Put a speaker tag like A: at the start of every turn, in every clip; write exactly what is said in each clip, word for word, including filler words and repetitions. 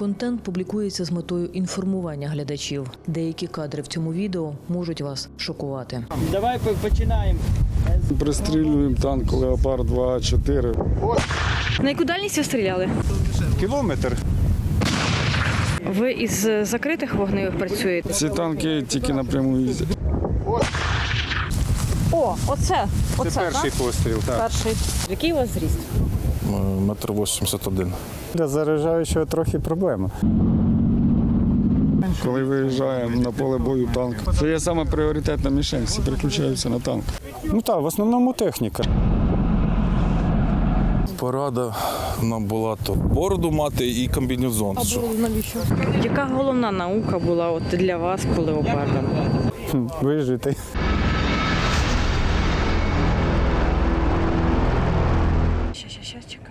A: Контент публікується з метою інформування глядачів. Деякі кадри в цьому відео можуть вас шокувати.
B: Давай починаємо.
C: Пристрілюємо танк «Леопард два А чотири».
D: На яку дальність ви стріляли?
C: Кілометр.
D: Ви із закритих вогневих працюєте?
C: Ці танки тільки напряму їздять.
D: О, оце, оце,
C: Це перший
D: так?
C: постріл, так.
D: Перший. Який у вас зріст?
E: Метр вісімдесят один.
F: Для заряджаючого трохи проблема.
C: Коли виїжджаємо на поле бою танк, це є саме пріоритетна мішень, всі переключаються на танк.
F: Ну так, в основному техніка.
E: Порада нам була то бороду мати і комбінезон.
D: А бороду навіщо? Яка головна наука була от для вас по леопардам?
F: Хм, Вижити.
D: Щас, щас, щас, чекай.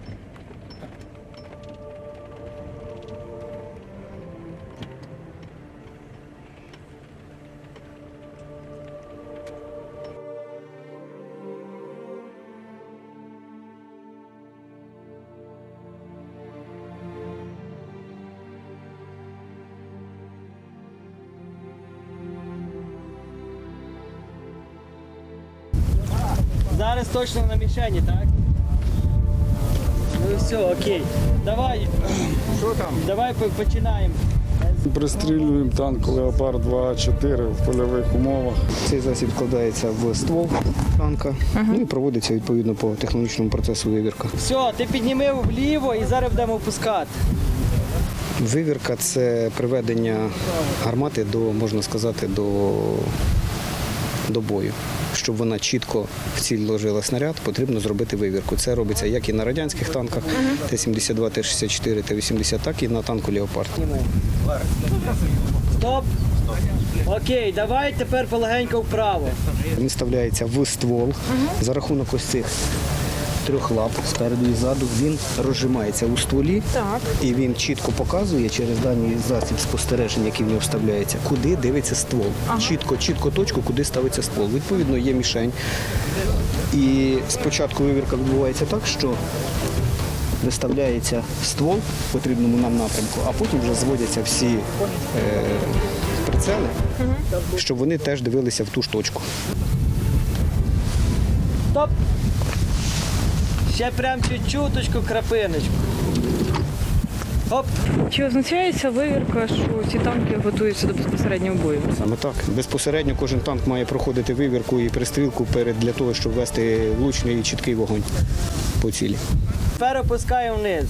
B: Зараз точно на мішені, так? Ну все, окей. Давай.
C: Що там?
B: Давай починаємо.
C: Пристрілюємо танк «Леопард два А чотири» в польових умовах.
G: Цей засіб вкладається в ствол танка, ну і проводиться відповідно по технологічному процесу вивірка.
B: Все, ти підніми вліво і зараз будемо опускати.
G: Вивірка – це приведення гармати до, можна сказати, до, до бою. Щоб вона чітко в ціль ложила снаряд, потрібно зробити вивірку. Це робиться як і на радянських танках Т сімдесят два, Т шістдесят чотири, Т вісімдесят, так і на танку «Леопард».
B: Стоп. Окей, давай тепер полегенько вправо.
G: Він вставляється в ствол. За рахунок ось цих трьох лап спереду і ззаду він розжимається у стволі.
D: Так.
G: І він чітко показує через даний засіб спостереження, який в нього вставляється, куди дивиться ствол. Ага. Чітко, чітко точку, куди ставиться ствол. Відповідно, є мішень. І спочатку вивірка відбувається так, що виставляється ствол в потрібному нам напрямку, а потім вже зводяться всі е, прицели, ага, щоб вони теж дивилися в ту ж точку.
B: Стоп. Ще прям чуть-чуточку, крапиночку. Оп.
D: Чи означає ця вивірка, що ці танки готуються до безпосереднього бою?
G: Саме так. Безпосередньо кожен танк має проходити вивірку і пристрілку перед для того, щоб вести влучний і чіткий вогонь по цілі.
B: Тепер опускаємо вниз.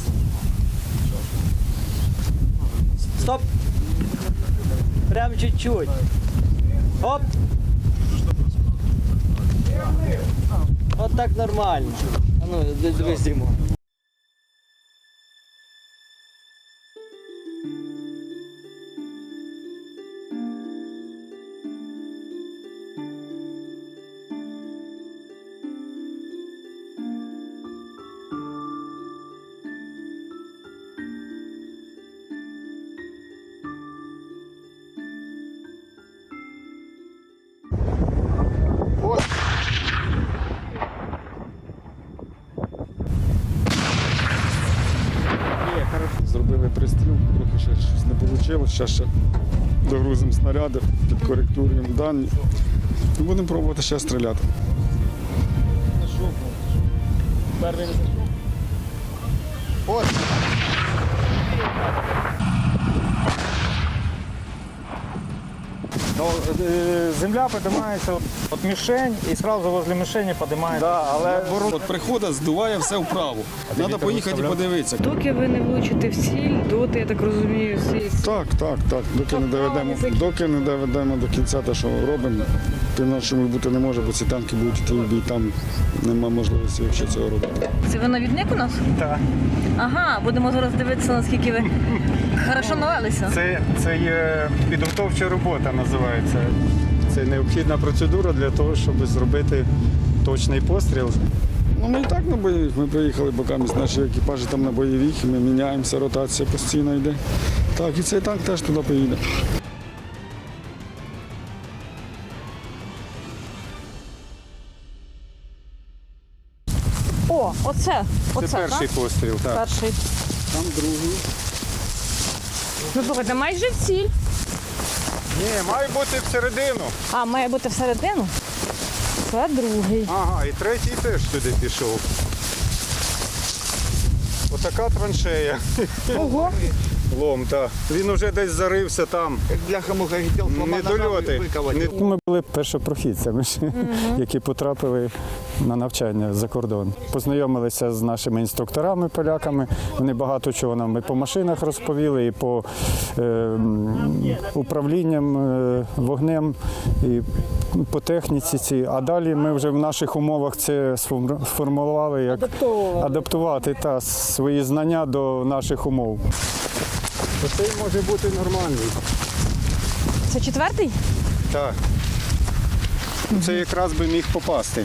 B: Стоп. Прям чуть-чуть. Оп. От так нормально. А ну, дивись, Дімо.
C: Зробили пристріл, трохи ще щось не вийшло. Зараз ще догрузимо снаряди, підкоректуємо дані і будемо пробувати ще стріляти.
F: Земля піднімається від мішень і одразу возле мішені піднімається.
C: Да, але от приходить, здуває все вправо. Треба поїхати і подивитися.
D: Доки ви не влучите в ціль, доти, я так розумію, всі...
C: Так, так, так. Доки не доведемо, доки не доведемо до кінця те, що робимо, по-іншому бути не може, бо ці танки будуть йти в бій, там немає можливості взагалі цього робити.
D: Це ви навідник у нас?
F: Так.
D: Ага, будемо зараз дивитися, наскільки ви хорошо навелися.
F: Це, це є підготовча робота, називається. Це необхідна процедура для того, щоб зробити точний постріл.
C: Ну, ми і так на бойових. Ми приїхали, бо камість наші екіпажі там на бойових, і ми міняємося, ротація постійно йде. Так, і цей танк теж туди поїде.
D: О, оце, оце,
F: Це перший
D: так?
F: постріл, так.
D: Перший.
C: Там другий.
D: Ну, слухайте, майже в ціль.
F: Ні, має бути всередину.
D: А, має бути всередину? Це другий.
F: Ага, і третій теж туди пішов. Отака траншея.
D: Ого.
F: Лом, так. Він уже десь зарився там.
B: Бляха-муха хотів
F: Недольоти. Не-
H: Ми були першопрохідцями, які потрапили на навчання за кордон. Познайомилися з нашими інструкторами, поляками. Вони багато чого нам і по машинах розповіли, і по е, м, управлінням е, вогнем, і по техніці. Цій. А далі ми вже в наших умовах це сформ- сформулювали, як адаптувати та, свої знання до наших умов.
F: Оцей може бути нормальний.
D: Це четвертий?
F: Так. Це якраз би міг попасти.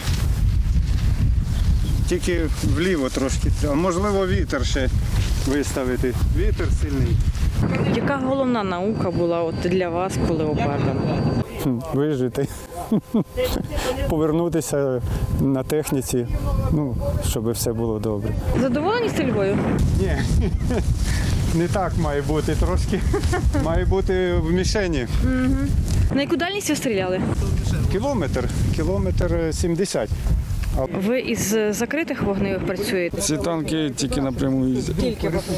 F: Тільки вліво трошки. А можливо, вітер ще виставити. Вітер сильний.
D: Яка головна наука була от для вас по леопардам?
H: Хм, Вижити, повернутися на техніці, ну, щоб все було добре.
D: Задоволені стрільбою?
F: Ні, не так має бути трошки. Має бути в мішені.
D: На яку дальність ви стріляли?
F: Кілометр, кілометр сімдесят.
D: Ви із закритих вогневих працюєте?
C: Ці танки тільки напряму їздять.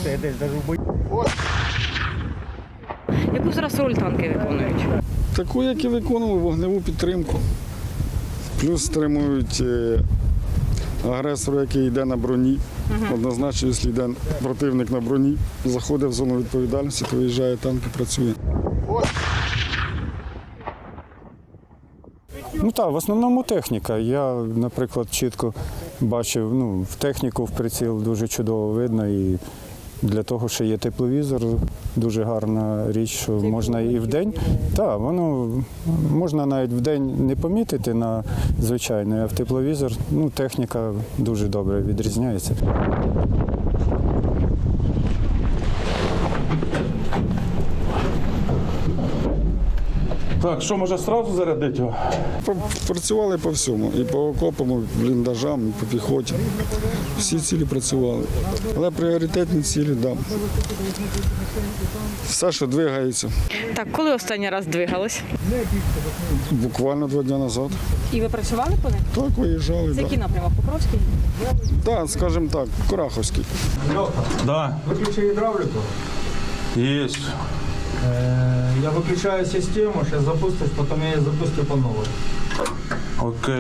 D: Яку зараз роль танки виконують?
C: Таку, як і виконували, вогневу підтримку. Плюс стримують е, агресора, який йде на броні. Однозначно, якщо йде противник на броні, заходить в зону відповідальності, то виїжджає танк і працює.
H: Ну так, в основному техніка. Я, наприклад, чітко бачив, ну, в техніку в приціл дуже чудово видно. І для того, що є тепловізор, дуже гарна річ, що можна і вдень. Так, воно можна навіть вдень не помітити на звичайний, а в тепловізор, ну, техніка дуже добре відрізняється.
E: Так, що, може, одразу зарядити його?
C: Працювали по всьому. І по окопам, і бліндажам, і по піхоті. Всі цілі працювали. Але пріоритетні цілі, так. Да. Все, що двигається.
D: Так, коли останній раз двигались?
C: Буквально два дні назад.
D: І ви працювали по них?
C: Так, виїжджали.
D: Це
C: Так,
D: який напрямок? Покровський?
C: да, скажімо так, Кураховський.
E: Да.
I: Выключи гидравлику.
E: Есть.
I: Э, Я выключаю систему, сейчас запустишь, потом я ее запустю по новой.
E: Окей.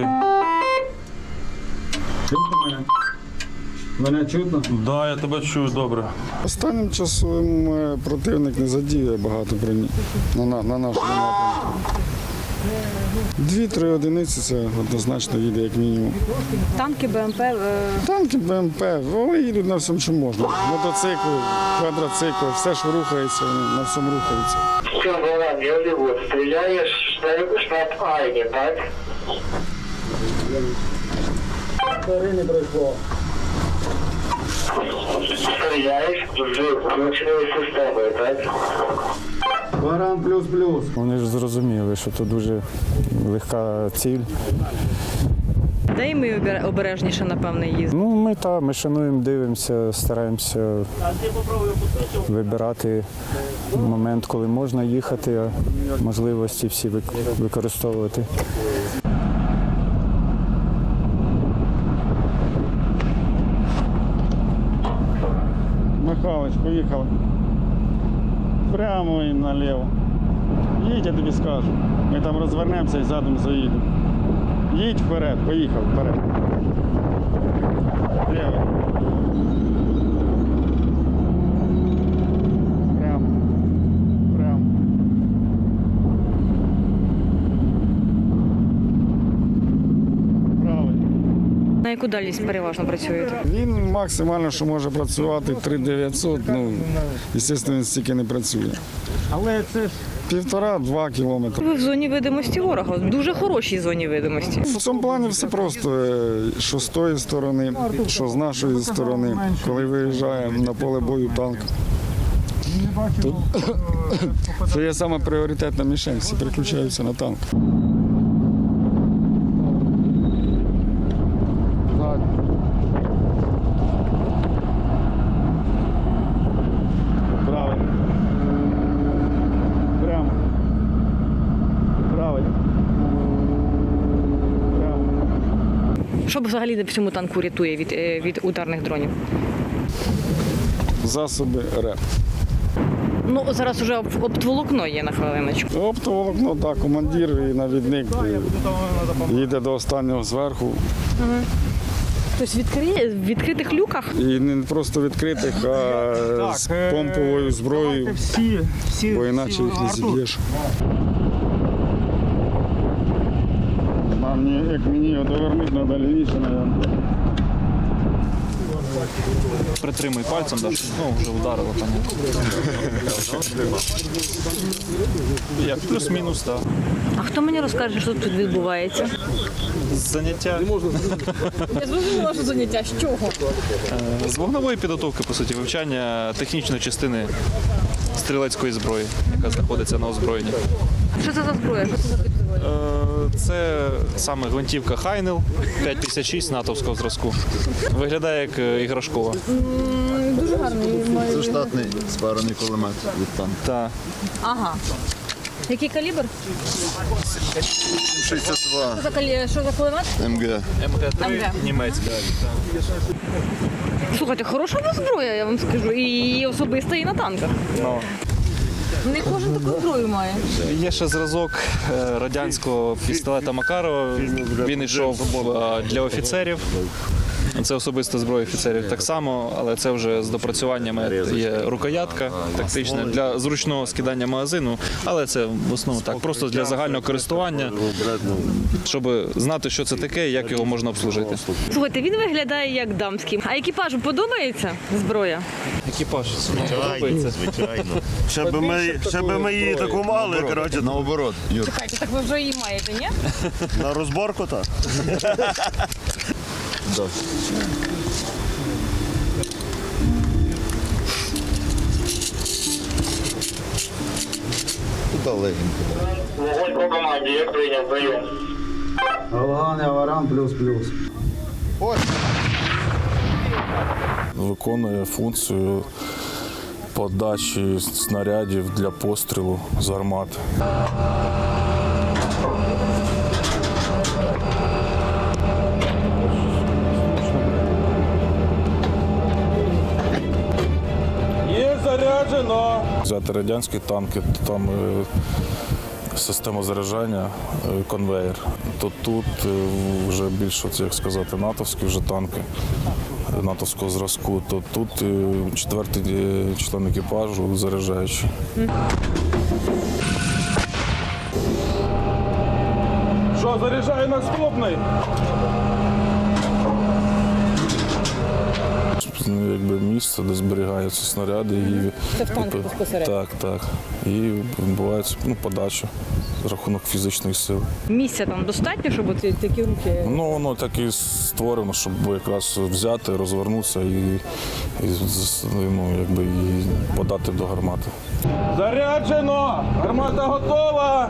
C: Чутно мене? Мене чутно?
E: Да, я тебе чую добре.
C: Останнім часом е, противник не задіює багато броні на, на, на нашому напрямку. Дві-три одиниці це однозначно їде як мінімум.
D: Танки, БМП. е,
C: Танки, БМП, вони їдуть на всьому, що можна. Мотоцикли, квадроцикли, все, що рухається, вони на всьому рухаються.
J: Все, Голланд, Голливуд, стреляешь в штаб Айни, так? Стреляешь в включенные системы, так?
F: Баран плюс-плюс.
H: Вони ж зрозуміли, що це дуже легка ціль.
D: Де і ми обер- обережніше, напевне, їздимо.
H: Ну, ми та, ми шануємо, дивимося, стараємося вибирати момент, коли можна їхати, а можливості всі вик- використовувати.
C: Михайлович, поїхали. Прямо і наліво. Їдь, я тобі скажу. Ми там розвернемося і задом заїдемо. Їдь вперед, поїхав вперед. Ліво. Прямо. Прямо. Правий.
D: На яку дальність переважно працюєте?
C: Він максимально, що може працювати, три дев'ятсот, ну, звісно, він стільки не працює.
F: Але це ж
C: Півтора-два кілометри.
D: Ви в зоні видимості ворога, в дуже хорошій зоні видимості.
C: В цьому плані все просто, е, що з тої сторони, що з нашої сторони, коли виїжджає на поле бою танк. Тут це є саме пріоритетна мішень, всі переключаються на танк. Правильно.
D: Що взагалі в цьому танку рятує від, е, від ударних дронів?
C: Засоби РЕП.
D: Ну, зараз вже об- оптоволокно є на хвилиночку.
C: Оптоволокно, так, командир і навідник е, їде до останнього зверху.
D: Тобто відкри... в відкритих люках?
C: І не просто відкритих, а з
F: е,
C: помповою зброєю,
F: всі, всі,
C: бо іначе їх не зіб'єш. Нам, як мені його довернути, треба лівіше, мабуть.
K: Притримуй пальцем, да. Ну, вже ударило, понятно. Як плюс-мінус, так.
D: А хто мені розкаже, що тут відбувається?
K: Заняття
D: Я зрозуміла, що заняття. З чого?
K: е, з вогневої підготовки, по суті, вивчання технічної частини стрілецької зброї, яка знаходиться на озброєнні.
D: Що це за зброя? Що це за підзброя?
K: Е, Це саме гвинтівка Хайнел п'ять п'ятдесят шість натовського зразку. Виглядає як е, іграшкова.
D: Дуже гарний.
L: Це штатний спарений кулемет від танку.
K: Та.
D: Ага. Який калібр?
L: шістдесят два
D: Що за, калі... що за кулемет?
L: ем ге.
K: ем ге три
D: ем ге.
K: німецька.
D: Слухайте, хороша у вас зброя, я вам скажу. І особиста, і на танках.
K: Ну.
D: Не кожен таку зброю має.
K: Є ще зразок е, радянського пістолета Макарова. Він йшов е, для офіцерів. Це особиста зброя офіцерів так само, але це вже з допрацюваннями. Є рукоятка тактична для зручного скидання магазину, але це в основному так, просто для загального користування, щоб знати, що це таке і як його можна обслужити.
D: Слухайте, він виглядає як дамський. А екіпажу подобається зброя?
K: Екіпаж подобається.
L: Звичайно. Ще би ми, ще би ми її таку мали, коротше, наоборот. Юр.
D: Чекайте, так ви вже її маєте, ні?
L: На розборку так. Тут легенько.
J: Вогонь по команді, як прийняв, прийом.
I: Алган, Аваран, плюс-плюс.
E: Виконує функцію подачі снарядів для пострілу з гармати.
I: Є заряджено.
E: Взяти радянські танки, то там е, система заряджання, е, конвейер. То тут е, вже більше, от, як сказати, натовські вже танки е, натовського зразку, то тут е, четвертий е, член екіпажу заряджаючий.
I: Що, заряджає наступний?
E: Ну, якби місце, де зберігаються снаряди. І,
D: Це в танку
E: і,
D: безпосередньо?
E: Так, так. І відбувається ну, подача за рахунок фізичної сили.
D: Місця там достатньо, щоб оці такі руки.
E: Ну, воно так і створено, щоб якраз взяти, розвернутися і, і, ну, якби, і подати до гармати.
I: Заряджено! Гармата готова!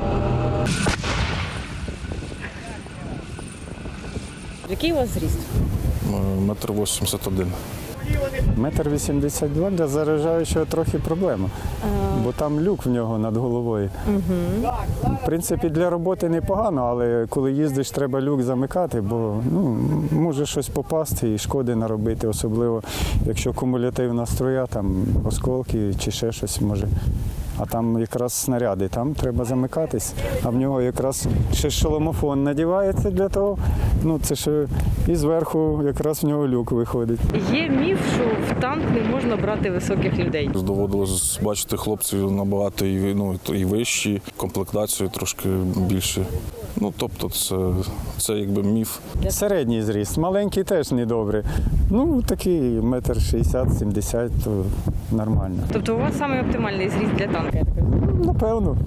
D: Який у вас зріст?
E: Метр вісімдесят один.
H: Метр вісімдесят два для заряджаючого трохи проблема, бо там люк в нього над головою. В принципі, для роботи непогано, але коли їздиш, треба люк замикати, бо ну, може щось попасти і шкоди наробити, особливо якщо кумулятивна струя, там осколки чи ще щось може. А там якраз снаряди, там треба замикатись, а в нього якраз ще шоломофон надівається для того, ну це ще і зверху якраз в нього люк виходить.
D: Є міф, що в танк не можна брати високих людей.
E: Доводилось бачити хлопців набагато і, ну, і вищі, комплектацію трошки більше. Ну, тобто це, це якби міф.
H: Середній зріст, маленький теж недобре. Ну, такий метр шістдесят-сімдесят, то нормально.
D: Тобто у вас саме оптимальний зріст для танка, я так розумію?
H: Напевно.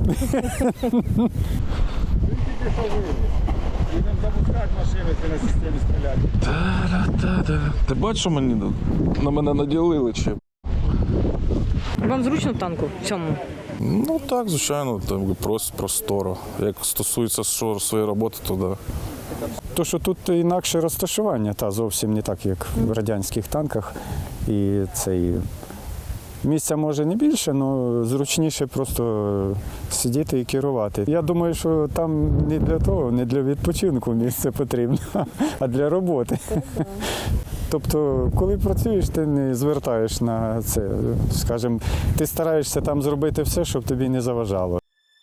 E: Ти бачиш, що мені на мене наділили чи?
D: Вам зручно в танку в цьому?
E: Ну так, звичайно, там просто просторо. Як стосується що своєї роботи, то да.
H: То, що тут інакше розташування, та зовсім не так, як в радянських танках. І цей Місця може не більше, але зручніше просто сидіти і керувати. Я думаю, що там не для того, не для відпочинку місце потрібно, а для роботи. Тобто, коли працюєш, ти не звертаєш на це. Скажімо, ти стараєшся там зробити все, щоб тобі не заважало.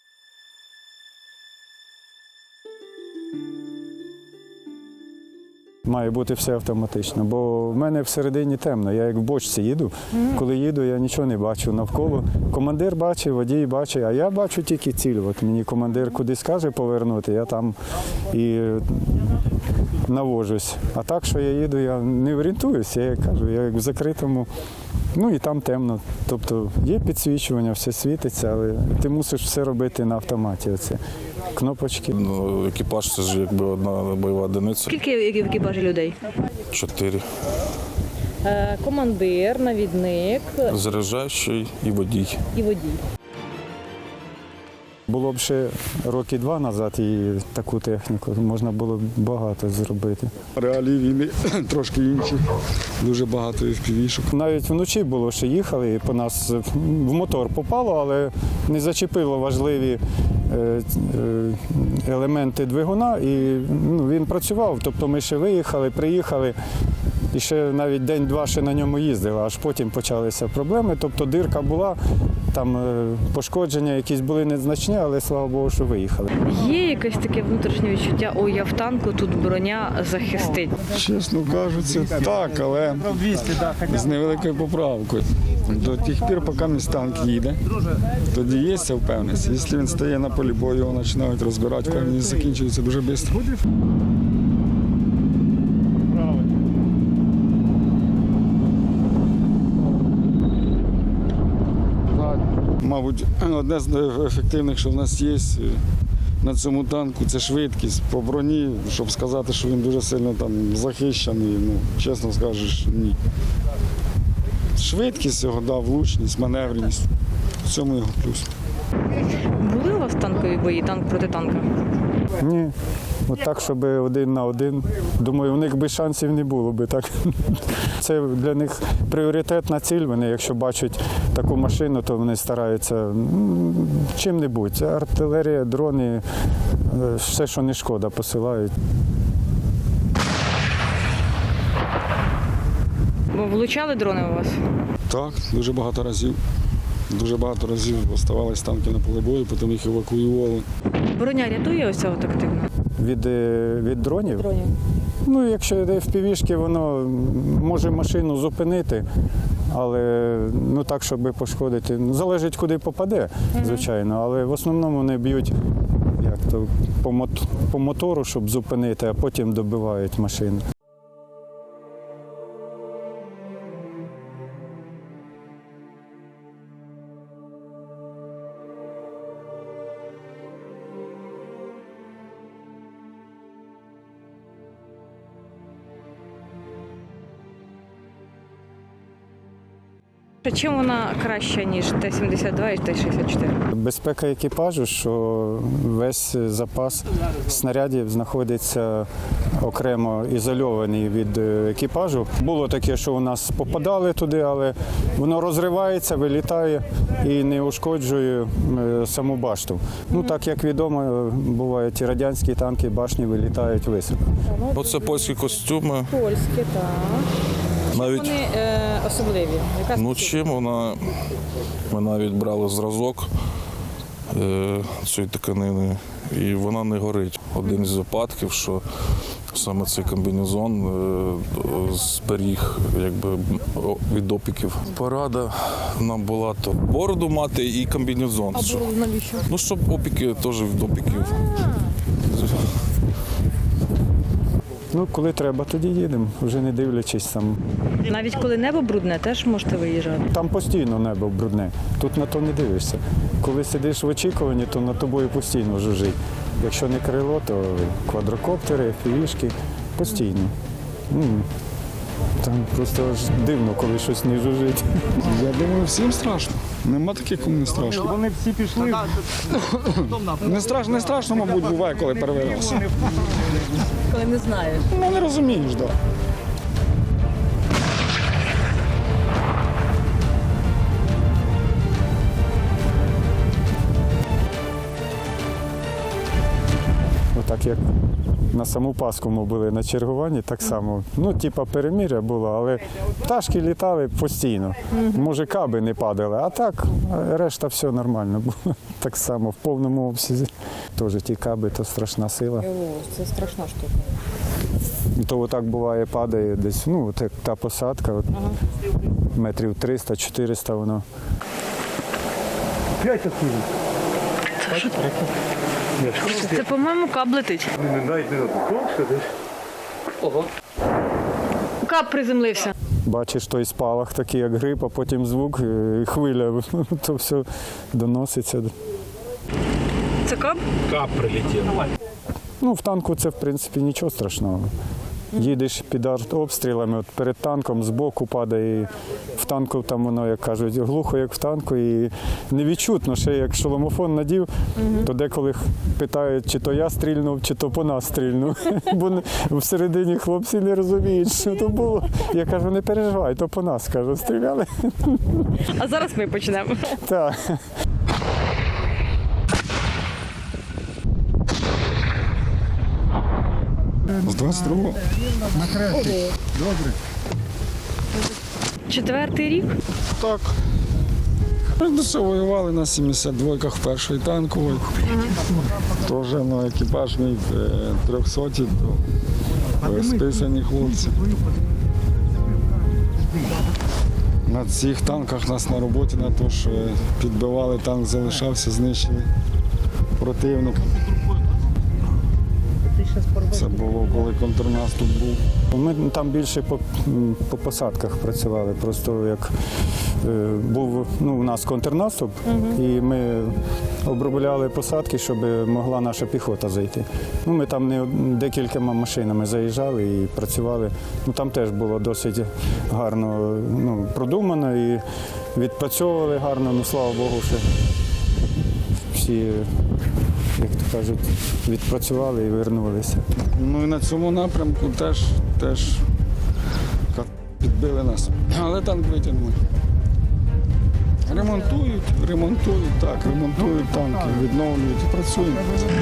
H: Має бути все автоматично, бо в мене всередині темно. Я як в бочці їду. Коли їду, я нічого не бачу навколо. Командир бачить, водій бачить, а я бачу тільки ціль. От мені командир кудись каже повернути, я там і навожусь. А так, що я їду, я не орієнтуюся, я як кажу, я як в закритому, ну і там темно. Тобто є підсвічування, все світиться, але ти мусиш все робити на автоматі. Оце. Кнопочки.
E: Ну, екіпаж це ж якби одна бойова одиниця.
D: Скільки в екіпажі людей?
E: Чотири.
D: Е, командир, навідник
E: Заряджаючий і водій.
D: і водій.
H: Було б ще роки два назад і таку техніку можна було б багато зробити.
C: Реалії війни трошки інші, дуже багато еф пі ві-шок.
H: Навіть вночі було, що їхали, і по нас в мотор попало, але не зачепило важливі е, е, елементи двигуна, і ну, він працював. Тобто ми ще виїхали, приїхали, і ще навіть день-два ще на ньому їздили, аж потім почалися проблеми. Тобто дирка була, там е, пошкодження якісь були незначні, але слава Богу, що виїхали.
D: Є якесь таке внутрішнє відчуття, ой, я в танку, тут броня захистить.
C: Чесно кажучи, так, але з невеликою поправкою. До тих пір, поки мій танк їде, тоді є ця впевненість. Якщо він стає на полі бою, його починають розбирати, впевненість закінчується дуже швидко. Мабуть, одне з ефективних, що в нас є на цьому танку, це швидкість по броні, щоб сказати, що він дуже сильно там захищений, ну, чесно скажеш, ні. Швидкість його, да, влучність, маневреність. В цьому його плюс.
D: Були у вас танкові бої, танк проти танка?
H: Ні. От так, щоб один на один. Думаю, у них би шансів не було би так. Це для них пріоритетна ціль. Вони, якщо бачать таку машину, то вони стараються чим-небудь. Артилерія, дрони, все, що не шкода, посилають.
D: Бо влучали дрони у вас?
C: Так, дуже багато разів. Дуже багато разів оставались танки на полі бою, потім їх евакуювали.
D: Броня рятує ось цього активно?
H: Від, від дронів?
D: Дронів.
H: Ну, якщо йде еф пі ві-шки, воно може машину зупинити, але ну, так, щоб пошкодити. Ну, залежить, куди попаде, звичайно, але в основному вони б'ють як то, по, мот, по мотору, щоб зупинити, а потім добивають машину.
D: Чим вона краща, ніж Т сімдесят два і Т шістдесят чотири?
H: Безпека екіпажу, що весь запас снарядів знаходиться окремо ізольований від екіпажу. Було таке, що у нас попадали туди, але воно розривається, вилітає і не ушкоджує саму башту. Ну, так як відомо, бувають і радянські танки, башні вилітають високо.
E: Оце польські костюми.
D: Польські, так.
E: Навіть,
D: вони е, особливі? Яка
E: ну чим вона, ми навіть брали зразок е, цієї тканини, і вона не горить. Один із випадків, що саме цей комбінезон е, зберіг якби, від опіків. Порада нам була то бороду мати і комбінезон.
D: А бороду навіщо?
E: Ну, щоб опіки теж від опіків.
H: Ну, коли треба, тоді їдемо, вже не дивлячись там.
D: Навіть коли небо брудне, теж можете виїжджати?
H: Там постійно небо брудне, тут на то не дивишся. Коли сидиш в очікуванні, то над тобою постійно жужить. Якщо не крило, то квадрокоптери, еф пі ві-шки постійно. М. Там просто аж дивно, коли щось не жужить.
C: Я думаю, всім страшно. Нема таких, кому не страшно.
F: Вони всі пішли.
C: Не страшно, не страшно, мабуть, буває, коли перевирився.
D: Коли не знаєш.
C: Ну, не розумієш, так. Да.
H: так як на саму Пасху ми були на чергуванні, так само. Ну, типа перемир'я було, але пташки літали постійно. Може, каби не падали, а так решта все нормально було. Так само в повному обсязі. Теж ті каби, то страшна сила.
D: Це страшна штука.
H: То отак буває, падає десь, ну, от як та посадка, от,
D: Ага.
H: метрів триста-чотириста воно.
D: Це, по-моєму, каб летить. Ого. Каб приземлився.
H: Бачиш той спалах такий, як гриб, а потім звук, і хвиля, то все доноситься.
D: Це каб?
I: Кап прилетів.
H: Ну, в танку це, в принципі, нічого страшного. Їдеш під артобстрілами, от перед танком збоку падає, і в танку там воно, як кажуть, глухо, як в танку, і невідчутно, ще як шоломофон надів, то деколи питають, чи то я стрільнув, чи то по нас стрільнув. Бо всередині хлопці не розуміють, що то було. Я кажу, не переживай, то по нас, кажу, стріляли.
D: А зараз ми почнемо.
H: Так.
C: З двадцять другого. На третій. Добре.
D: Четвертий рік?
C: Так. Ми до цього воювали на сімдесят двойках першої танкової. Теж на екіпаж мій трьохсоті, то списані хлопці. На цих танках нас на роботі на те, що підбивали, танк залишався, знищили противника. Це було, коли контрнаступ був.
H: Ми там більше по, по посадках працювали. Просто як е, був ну, у нас контрнаступ, і ми обробляли посадки, щоб могла наша піхота зайти. Ну, ми там не декількома машинами заїжджали і працювали. Ну, там теж було досить гарно ну, продумано і відпрацьовували гарно, ну слава Богу, що всі, як то кажуть, відпрацювали і вернулися.
C: Ну і на цьому напрямку теж, теж підбили нас. Але танк витягнули. Ремонтують, ремонтують, так, ремонтують танки, відновлюють і працюємо.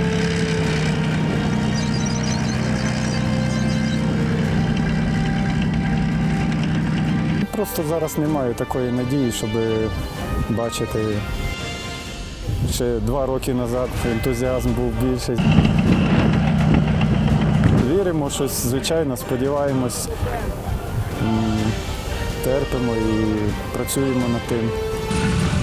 H: Просто зараз немає такої надії, щоб бачити. Ще два роки назад ентузіазм був більший. Віримо, щось, звичайно, сподіваємось, терпимо і працюємо над тим.